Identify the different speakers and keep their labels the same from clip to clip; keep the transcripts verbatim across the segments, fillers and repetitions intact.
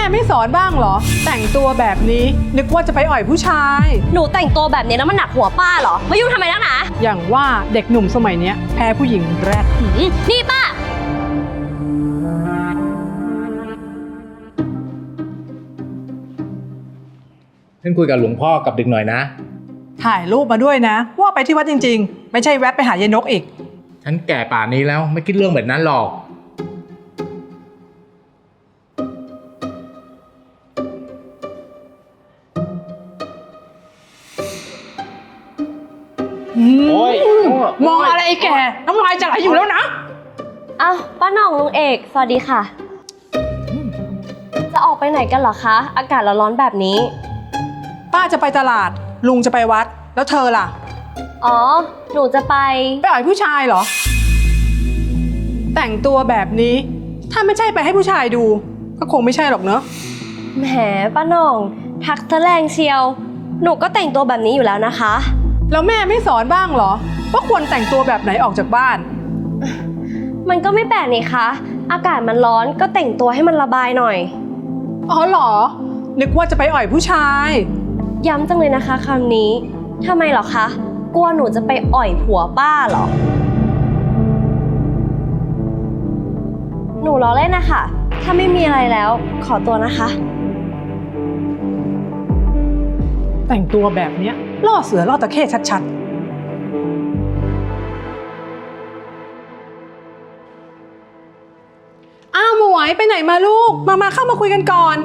Speaker 1: ไม่สอนบ้างเหรอแต่งตัวแบบนี้นึกว่าจะไปอ่อยผู้ชาย
Speaker 2: หนูแต่งตัวแบบนี้แล้วมันหนักหัวป้าเหรอมายุ่งทำไมนักหนา
Speaker 1: อย่างว่าเด็กหนุ่มสมัยเนี้ยแพ้ผู้หญิงแรก
Speaker 2: นี่ป้า
Speaker 3: ฉันคุยกับหลวงพ่อกับเด็กหน่อยนะ
Speaker 1: ถ่ายรูปมาด้วยนะว่าไปที่วัดจริงๆไม่ใช่แวะไปหายายนกอีก
Speaker 3: ฉันแก่ป่านนี้แล้วไม่คิดเรื่องแบบนั้นหรอก
Speaker 1: โอ้ยมองอะไรแกน้ำลายจะไหลอยู่แล้วนะ
Speaker 2: อ้าวป้าหน่องลุงเอกสวัสดีค่ะจะออกไปไหนกันเหรอคะอากาศร้อนๆแบบนี้
Speaker 1: ป้าจะไปตลาดลุงจะไปวัดแล้วเธอล่ะ
Speaker 2: อ๋อหนูจะไป
Speaker 1: ไปอ่อยผู้ชายเหรอแต่งตัวแบบนี้ถ้าไม่ใช่ไปให้ผู้ชายดูก็คงไม่ใช่หรอกเนอะ
Speaker 2: แหมป้าหน่องทักซะแรงเชียวหนูก็แต่งตัวแบบนี้อยู่แล้วนะคะ
Speaker 1: แล้วแม่ไม่สอนบ้างเหรอว่าควรแต่งตัวแบบไหนออกจากบ้าน
Speaker 2: มันก็ไม่แปลกนี่คะอากาศมันร้อนก็แต่งตัวให้มันระบายหน่อย
Speaker 1: อ๋อเหรอนึกว่าจะไปอ่อยผู้ชาย
Speaker 2: ย้ำจังเลยนะคะคำนี้ทำไมเหรอคะกลัวหนูจะไปอ่อยผัวป้าเหรอหนูล้อเล่นนะคะถ้าไม่มีอะไรแล้วขอตัวนะคะ
Speaker 1: แต่งตัวแบบเนี้ยล่อเสือล่อตะเข้ชัดๆอ้าวหมวยไปไหนมาลูกมามาเข้ามาคุยกันก่อน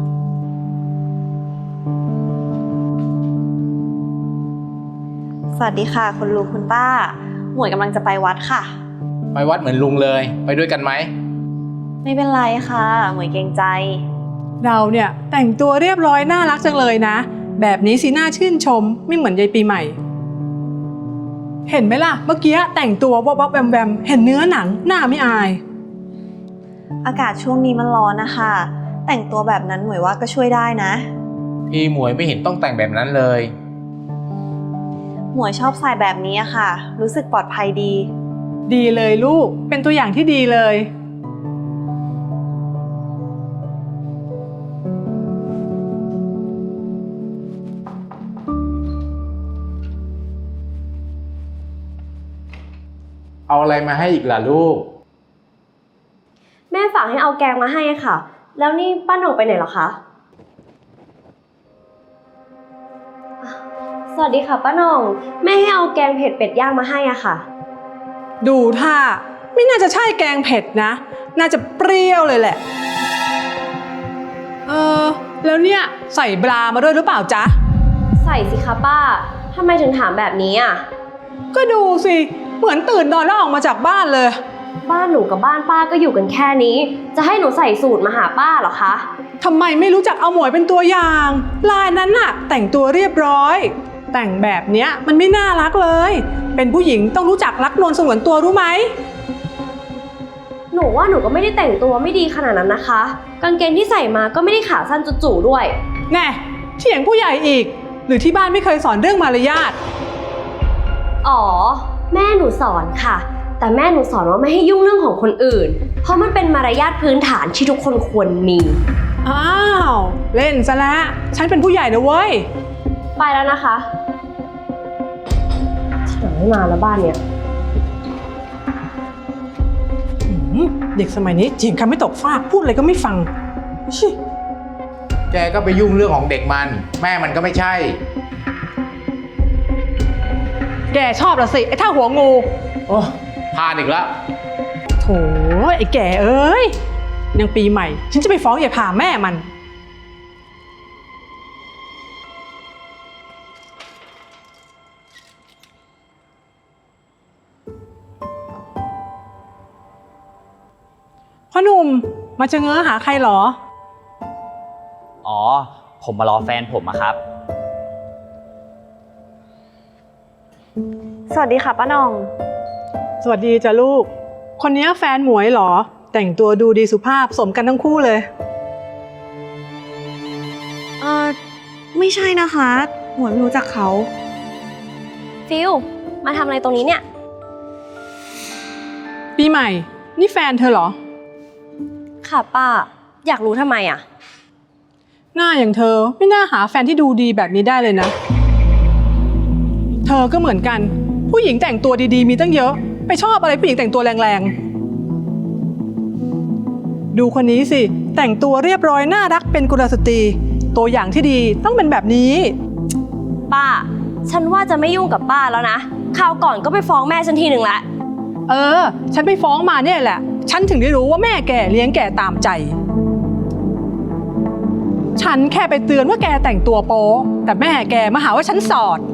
Speaker 4: สวัสดีค่ะคุณลุงคุณป้าหมวยกำลังจะไปวัดค่ะ
Speaker 3: ไปวัดเหมือนลุงเลยไปด้วยกันไหม
Speaker 4: ไม่เป็นไรค่ะหมวยเกรงใจ
Speaker 1: เราเนี่ยแต่งตัวเรียบร้อยน่ารักจังเลยนะแบบนี้สิน่าชื่นชมไม่เหมือนยายปีใหม่เห็นไหมล่ะเมื่อกี้แต่งตัววับวับแวมแวมเห็นเนื้อหนังหน้าไม่อาย
Speaker 4: อากาศช่วงนี้มันร้อนนะคะแต่งตัวแบบนั้นหมวยว่าก็ช่วยได้นะ
Speaker 3: พี่หมวยไม่เห็นต้องแต่งแบบนั้นเลย
Speaker 4: หมวยชอบใส่แบบนี้ค่ะรู้สึกปลอดภัยดี
Speaker 1: ดีเลยลูกเป็นตัวอย่างที่ดีเลย
Speaker 3: เอาอะไรมาให้อีกล่ะลูก
Speaker 2: แม่ฝากให้เอาแกงมาให้ค่ะแล้วนี่ป้าหน่องไปไหนเหรอคะสวัสดีค่ะป้าหน่องแม่ให้เอาแกงเผ็ดเป็ดย่างมาให้อ่ะค่ะ
Speaker 1: ดูท่าไม่น่าจะใช่แกงเผ็ดนะน่าจะเปรี้ยวเลยแหละเออแล้วเนี่ยใส่บรามาด้วยหรือเปล่าจ๊ะ
Speaker 2: ใส่สิคะป้าทำไมถึงถามแบบนี้อ่ะ
Speaker 1: ก็ดูสิเหมือนตื่นนอนแล้วออกมาจากบ้านเลย
Speaker 2: บ้านหนูกับบ้านป้าก็อยู่กันแค่นี้จะให้หนูใส่สูตรมาหาป้าเหรอคะ
Speaker 1: ทำไมไม่รู้จักเอาหมวยเป็นตัวอย่างลายนั้นน่ะแต่งตัวเรียบร้อยแต่งแบบเนี้ยมันไม่น่ารักเลยเป็นผู้หญิงต้องรู้จักรักนวลสงวนตัวรู้ไหม
Speaker 2: หนูว่าหนูก็ไม่ได้แต่งตัวไม่ดีขนาดนั้นนะคะกางเกงที่ใส่มาก็ไม่ได้ขาสั้นจู่ๆด้วย
Speaker 1: แน่เถียงผู้ใหญ่อีกหรือที่บ้านไม่เคยสอนเรื่องมารยาท
Speaker 2: อ๋อแม่หนูสอนค่ะแต่แม่หนูสอนว่าไม่ให้ยุ่งเรื่องของคนอื่นเพราะมันเป็นมารยาทพื้นฐานที่ทุกคนควรมี
Speaker 1: อ้าวเล่นซะแล้วฉันเป็นผู้ใหญ่นะเว้ย
Speaker 2: ไปแล้วนะคะที่ไหนไม่มาแล้วบ้านเนี่ย
Speaker 1: เด็กสมัยนี้เถียงคำไม่ตกฟากพูดอะไรก็ไม่ฟังชิ
Speaker 3: แกก็ไปยุ่งเรื่องของเด็กมันแม่มันก็ไม่ใช่
Speaker 1: แกชอบละสิไอ้ท่าหัวงู
Speaker 3: โอ้พลาดอีกแล้ว
Speaker 1: โถไอ้แกเอ้ยยังปีใหม่ฉันจะไปฟ้องยายพาแม่มันพ่อหนุ่มมาจะเง้อหาใครหรอ
Speaker 5: อ๋อผมมารอแฟนผมอะครับ
Speaker 4: สวัสดีค่ะป้าหน่อง
Speaker 1: สวัสดีจ้ะลูกคนนี้แฟนหมวยเหรอแต่งตัวดูดีสุภาพสมกันทั้งคู่เลย
Speaker 4: เออไม่ใช่นะคะหมวยไม่รู้จักเขา
Speaker 2: ฟิลมาทำอะไรตรงนี้เนี่ย
Speaker 1: ปีใหม่นี่แฟนเธอเหรอ
Speaker 2: ค่ะป้าอยากรู้ทำไมอ่ะ
Speaker 1: หน้าอย่างเธอไม่น่าหาแฟนที่ดูดีแบบนี้ได้เลยนะ เธอก็เหมือนกันผู้หญิงแต่งตัวดีๆมีตั้งเยอะไปชอบอะไรผู้หญิงแต่งตัวแรงๆดูคนนี้สิแต่งตัวเรียบร้อยน่ารักเป็นกุลสตรีตัวอย่างที่ดีต้องเป็นแบบนี้
Speaker 2: ป้า ฉันว่าจะไม่ยุ่งกับป้าแล้วนะคราวก่อนก็ไปฟ้องแม่ฉันทีหนึ่งละ
Speaker 1: เออฉันไปฟ้องมาเนี่ยแหละฉันถึงได้รู้ว่าแม่แกเลี้ยงแกตามใจฉันแค่ไปเตือนว่าแกแต่งตัวโป๊แต่แม่แกมาหาว่าฉันสอด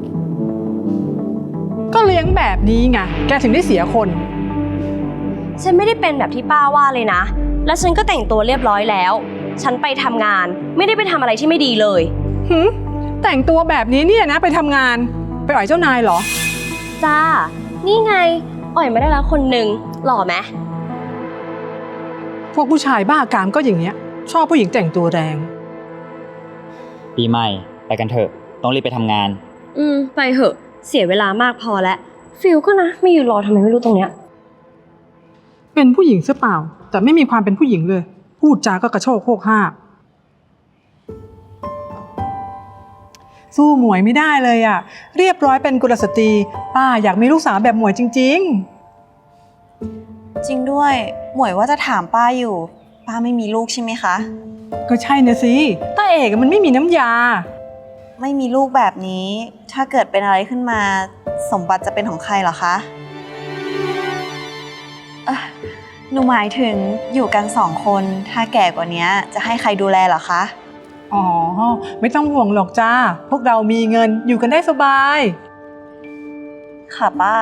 Speaker 1: ก็เลี้ยงแบบนี้ไงแกถึงได้เสียคน
Speaker 2: ฉันไม่ได้เป็นแบบที่ป้าว่าเลยนะ แล้วฉันก็แต่งตัวเรียบร้อยแล้ว ฉันไปทำงานไม่ได้ไปทำอะไรที่ไม่ดีเลย
Speaker 1: หึแต่งตัวแบบนี้เนี่ยนะไปทำงานไปอ่อยเจ้านายเหรอ
Speaker 2: จ้า นี่ไง อ่อยมาได้แล้วคนหนึ่งหล่อไหม
Speaker 1: พวกผู้ชายบ้ากามก็อย่างเงี้ยชอบผู้หญิงแต่งตัวแรง
Speaker 5: ปีใหม่ไปกันเถอะต้องรีบไปทำงาน
Speaker 2: อืม ไปเหอะ เสียเวลามากพอแล้ว ฟิลก็นะ ไม่อยู่รอทำไมไม่รู้ตรงเนี้ย
Speaker 1: เป็นผู้หญิงซะเปล่าแต่ไม่มีความเป็นผู้หญิงเลยพูดจาก็กระโชกโคกห้ากสู้หมวยไม่ได้เลยอ่ะเรียบร้อยเป็นกุลสตรีป้าอยากมีลูกสาวแบบหมวยจริง
Speaker 4: จริงด้วยหมวยว่าจะถามป้าอยู่ป้าไม่มีลูกใช่ไหมคะ
Speaker 1: ๆก็ใช่นะสิต้าเอกมันไม่มีน้ำยา
Speaker 4: ไม่มีลูกแบบนี้ถ้าเกิดเป็นอะไรขึ้นมาสมบัติจะเป็นของใครเหรอคะเอ่อหนูหมายถึงอยู่กันสองคนถ้าแก่กว่านี้จะให้ใครดูแลเหรอคะ
Speaker 1: อ๋อไม่ต้องห่วงหรอกจ้าพวกเรามีเงินอยู่กันได้สบาย
Speaker 4: ค่ะป้า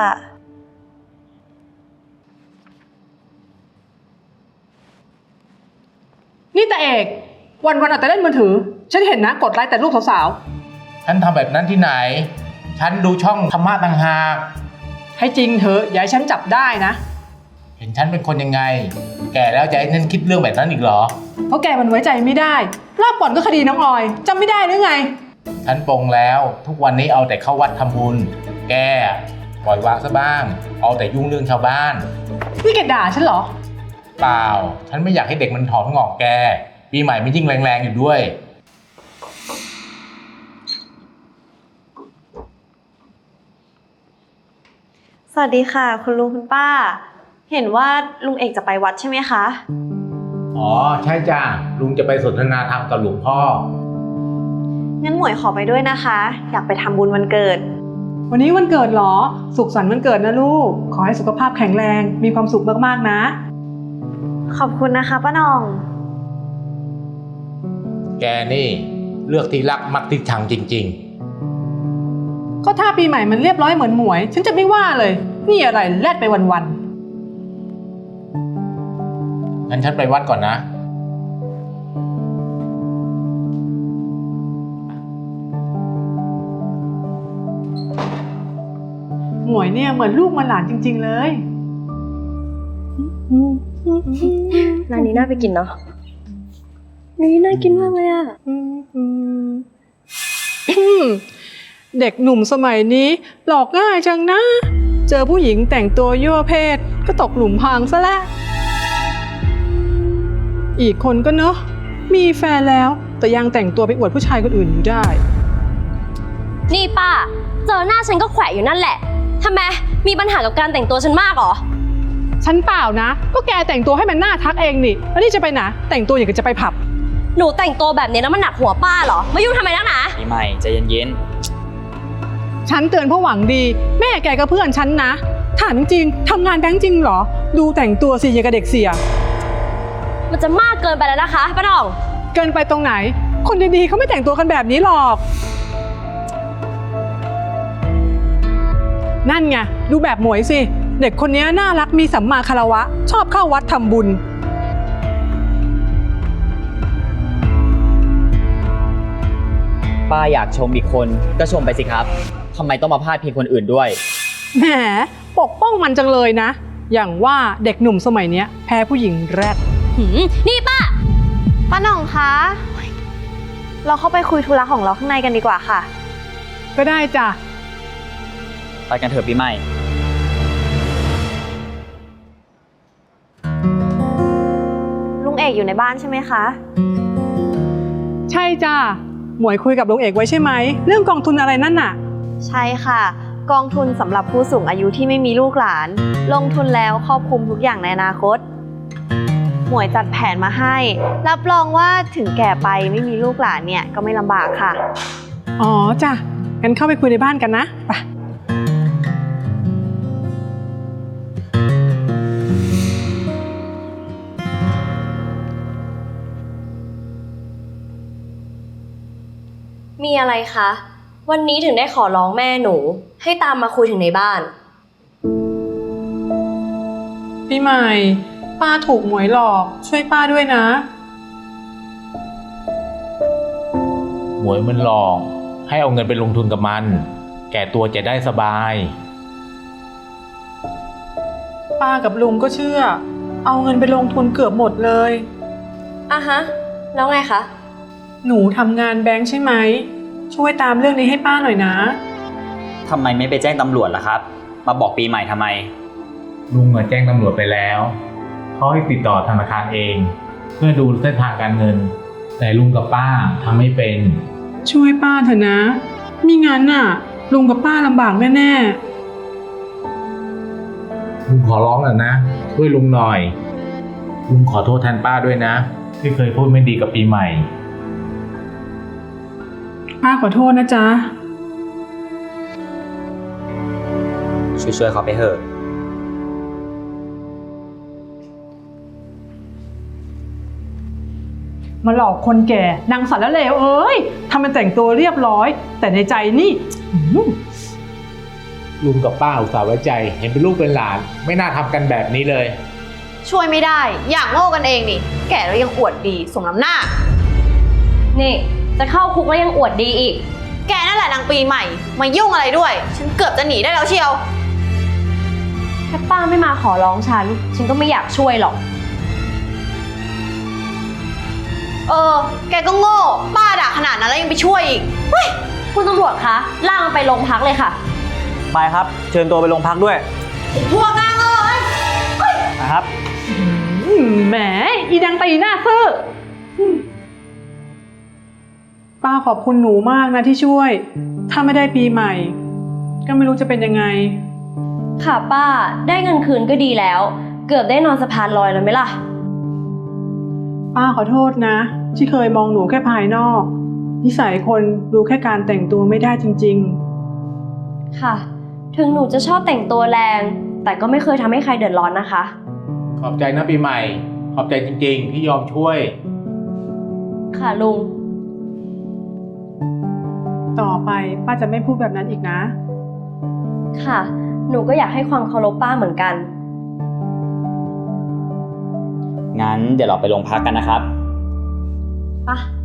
Speaker 1: นี่ตาเอกวันวันๆเอาแต่เล่นมือถือฉันเห็นนะกดไลค์แต่รูปสาว
Speaker 3: ฉันทำแบบนั้นที่ไหน ฉันดูช่องธรรมะต่างหาก
Speaker 1: ๆให้จริงเถอะอย่าให้ฉันจับได้นะ
Speaker 3: เห็นฉันเป็นคนยังไง แก่แล้วจะให้ฉันคิดเรื่องแบบนั้นอีกเหรอ
Speaker 1: เพราะแกมันไว้ใจไม่ได้รอบก่อนก็คดีน้องออยจำไม่ได้หรือไง
Speaker 3: ฉันปลงแล้วทุกวันนี้เอาแต่เข้าวัดทำบุญ แกปล่อยวางซะบ้าง เอาแต่ยุ่งเรื่องชาวบ้าน
Speaker 1: นี่แกด่าฉันเหรอ
Speaker 3: เปล่า ฉันไม่อยากให้เด็กมันถอดงอกแก ปีใหม่มันยิ่งแรงๆอยู่ด้วย
Speaker 4: สวัสดีค่ะ คุณลุงคุณป้า เห็นว่าลุงเอกจะไปวัดใช่ไหมคะ
Speaker 3: อ๋อใช่จ้าลุงจะไปสนทนาธรรมกับหลวงพ่อ
Speaker 4: งั้นหมวยขอไปด้วยนะคะ อยากไปทำบุญวันเกิด
Speaker 1: วันนี้วันเกิดเหรอสุขสันต์วันเกิดนะลูกขอให้สุขภาพแข็งแรงมีความสุขมากๆนะ
Speaker 4: ขอบคุณนะคะป้าหน่อง
Speaker 3: แกนี่เลือกที่รักมักที่ชังจริง
Speaker 1: ก็ถ้าปีใหม่มันเรียบร้อยเหมือนหมวยฉันจะไม่ว่าเลยนี่อะไรแลดไปวัน
Speaker 3: ๆ งั้นฉันไปวัดก่อนนะ
Speaker 1: ๆหมวยเนี่ยเหมือนลูกมันหลานจริงๆเลย
Speaker 2: ร้านนี้น่าไปกินเนาะนี่น่ากินมากเลยอะ
Speaker 1: เด็กหนุ่มสมัยนี้หลอกง่ายจังนะ เจอผู้หญิงแต่งตัวยั่วเพศก็ตกหลุมพรางซะแล้วอีกคนก็เนอะมีแฟนแล้วแต่ยังแต่งตัวไปอวดผู้ชายคนอื่นอยู่ได้
Speaker 2: นี่ป้า เจอหน้าฉันก็แขวะอยู่นั่นแหละทำไมมีปัญหากับการแต่งตัวฉันมากเหรอ
Speaker 1: ฉันเปล่านะก็แกแต่งตัวให้มันน่าทักเองนี่แล้วนี่จะไปไหนแต่งตัวอย่างกับจะไปผับ
Speaker 2: หนูแต่งตัวแบบนี้แล้วมันหนักหัวป้าเหรอมายุ่งทำไมนักหนา
Speaker 5: ปีใหม่ใจเย็น
Speaker 1: ฉันเตือนเพราะหวังดีแม่แกก็เพื่อนฉันนะถามจริงๆทำงานแบงค์จริงเหรอดูแต่งตัวสิอย่างกับเด็กเสีย
Speaker 2: มันจะมากเกินไปแล้วนะคะป้าหน่อง
Speaker 1: เกินไปตรงไหนคนดีๆเขาไม่แต่งตัวกันแบบนี้หรอกนั่นไงดูแบบหมวยสิเด็กคนนี้น่ารักมีสัมมาคารวะชอบเข้าวัดทำบุญ
Speaker 5: ๆป้าอยากชมอีกคนก็ชมไปสิครับทำไมต้องมาพาดพิงคนอื่นด้วย
Speaker 1: แหมปกป้องมันจังเลยนะ อย่างว่าเด็กหนุ่มสมัยเนี้ยแพ้ผู้หญิงแรด
Speaker 2: หืมนี่ป้า
Speaker 4: ป้าหน่องคะ เราเข้าไปคุยธุระของเราข้างในกันดีกว่าค่ะ
Speaker 1: ก็ได้จ้ะ
Speaker 5: ไปกันเถอะปีใหม่
Speaker 4: ลุงเอกอยู่ในบ้านใช่ไหมคะ
Speaker 1: ใช่จ้าหมวยคุยกับลุงเอกไว้ใช่ไหมเรื่องกองทุนอะไรนั่นน่ะ
Speaker 4: ใช่ค่ะ กองทุนสำหรับผู้สูงอายุที่ไม่มีลูกหลาน ลงทุนแล้วครอบคลุมทุกอย่างในอนาคต หมวยจัดแผนมาให้ รับรองว่าถึงแก่ไปไม่มีลูกหลานเนี่ยก็ไม่ลำบากค่ะ
Speaker 1: อ๋อจ้ะงั้นเข้าไปคุยในบ้านกันนะไป
Speaker 2: มีอะไรคะ วันนี้ถึงได้ขอร้องแม่หนู ให้ตามมาคุยถึงในบ้าน
Speaker 1: พี่ใหม่ป้าถูกหมวยหลอกช่วยป้าด้วยนะ
Speaker 3: หมวยมันหลอกให้เอาเงินไปลงทุนกับมัน แก่ตัวจะได้สบาย
Speaker 1: ป้ากับลุงก็เชื่อ เอาเงินไปลงทุนเกือบหมดเลย
Speaker 2: อ่ะฮะ แล้วไงคะ
Speaker 1: หนูทำงานแบงค์ใช่ไหมช่วยตามเรื่องนี้ให้ป้าหน่อยนะ
Speaker 5: ทำไมไม่ไปแจ้งตำรวจล่ะครับ มาบอกปีใหม่ทำไม
Speaker 3: ลุงอะแจ้งตำรวจไปแล้วเขาให้ติดต่อธนาคารเอง เพื่อดูเส้นทางการเงิน แต่ลุงกับป้าทำไม่เป็น
Speaker 1: ช่วยป้าเถอะนะมิงั้นน่ะลุงกับป้าลำบากแน่ๆ
Speaker 3: ลุงขอร้องแล้วนะช่วยลุงหน่อย ลุงขอโทษแทนป้าด้วยนะที่เคยพูดไม่ดีกับปีใหม่
Speaker 1: ป้าขอโทษนะจ๊ะ
Speaker 5: ช่วยๆเขาไปเถอะ
Speaker 1: มาหลอกคนแก่นางสารเลวเอ้ยทำเป็นแต่งตัวเรียบร้อย แต่ในใจนี่อื้อหือ
Speaker 3: ลุงกับป้าอุตส่าห์ไว้ใจ เห็นเป็นลูกเป็นหลาน ไม่น่าทำกันแบบนี้เลย
Speaker 4: ช่วยไม่ได้ อย่างโง่กันเองนี่ แก่แล้วยังอวดดีสมน้ำหน้า
Speaker 2: นี่ จะเข้าคุกแล้วยังอวดดีอีก
Speaker 4: แกนั่นแหละนางปีใหม่ มายุ่งอะไรด้วย ฉันเกือบจะหนีได้แล้วเชียว
Speaker 2: ถ้าป้าไม่มาขอร้องฉัน ฉันก็ไม่อยากช่วยหรอก
Speaker 4: เออ แกก็โง่ ป้าด่าขนาดนั้นแล้วยังไปช่วยอีก
Speaker 2: คุณตำรวจคะล่างมันไปโรงพักเลยค่ะ
Speaker 5: ไปครับ เชิญตัวไปโรงพักด้วย
Speaker 4: พวกนางเอ้ย
Speaker 5: นะครับ
Speaker 1: อืมแหมอีดังตีหน้าซื่ออืมป้าขอบคุณหนูมากนะที่ช่วย ถ้าไม่ได้ปีใหม่ ก็ไม่รู้จะเป็นยังไง
Speaker 2: ค่ะป้า ได้เงินคืนก็ดีแล้ว เกือบได้นอนสะพานลอยแล้วไหมล่ะ
Speaker 1: ป้าขอโทษนะ ที่เคยมองหนูแค่ภายนอก นิสัยคนดูแค่การแต่งตัวไม่ได้จริง
Speaker 2: ค่ะ ถึงหนูจะชอบแต่งตัวแรง แต่ก็ไม่เคยทำให้ใครเดือดร้อนนะคะ
Speaker 3: ขอบใจนะปีใหม่ ขอบใจจริงๆ ที่ยอมช่วย
Speaker 2: ค่ะลุง
Speaker 1: ๆ ต่อไปป้าจะไม่พูดแบบนั้นอีกนะ
Speaker 2: ค่ะ หนูก็อยากให้ความเคารพป้าเหมือนกัน
Speaker 5: งั้นเดี๋ยวเราไปโรงพักกันนะครับ
Speaker 2: ไป่ะ